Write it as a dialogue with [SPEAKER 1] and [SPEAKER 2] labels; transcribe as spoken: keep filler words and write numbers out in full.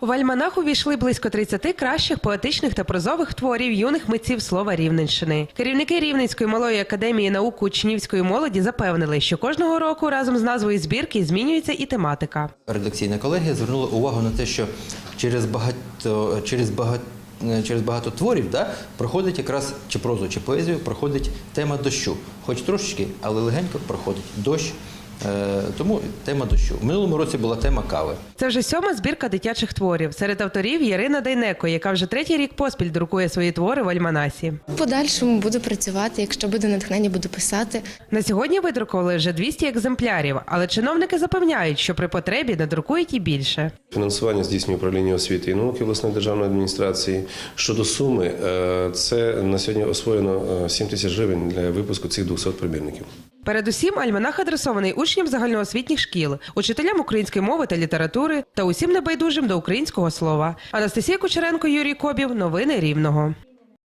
[SPEAKER 1] В альманах увійшли близько тридцяти кращих поетичних та прозових творів юних митців слова Рівненщини. Керівники Рівненської малої академії наук учнівської молоді запевнили, що кожного року разом з назвою збірки змінюється і тематика.
[SPEAKER 2] Редакційна колегія звернула увагу на те, що через багато, через багато Через багато творів да, проходить якраз чи прозу, чи поезію, проходить тема дощу. Хоч трошечки, але легенько проходить дощ. Е, тому тема дощу. В минулому році була тема кави.
[SPEAKER 1] Це вже сьома збірка дитячих творів. Серед авторів Ярина Дейнеко, яка вже третій рік поспіль друкує свої твори в альманасі.
[SPEAKER 3] В подальшому буду працювати, якщо буде натхнення, буду писати.
[SPEAKER 1] На сьогодні видрукували вже двісті екземплярів, але чиновники запевняють, що при потребі надрукують і більше.
[SPEAKER 4] Фінансування здійснює управління освіти і науки обласної державної адміністрації. Щодо суми, це на сьогодні освоєно сім тисяч гривень для випуску цих двохсот примірників.
[SPEAKER 1] Передусім, альманах адресований учням загальноосвітніх шкіл, учителям української мови та літератури та усім небайдужим до українського слова. Анастасія Кучеренко, Юрій Кобів. Новини Рівного.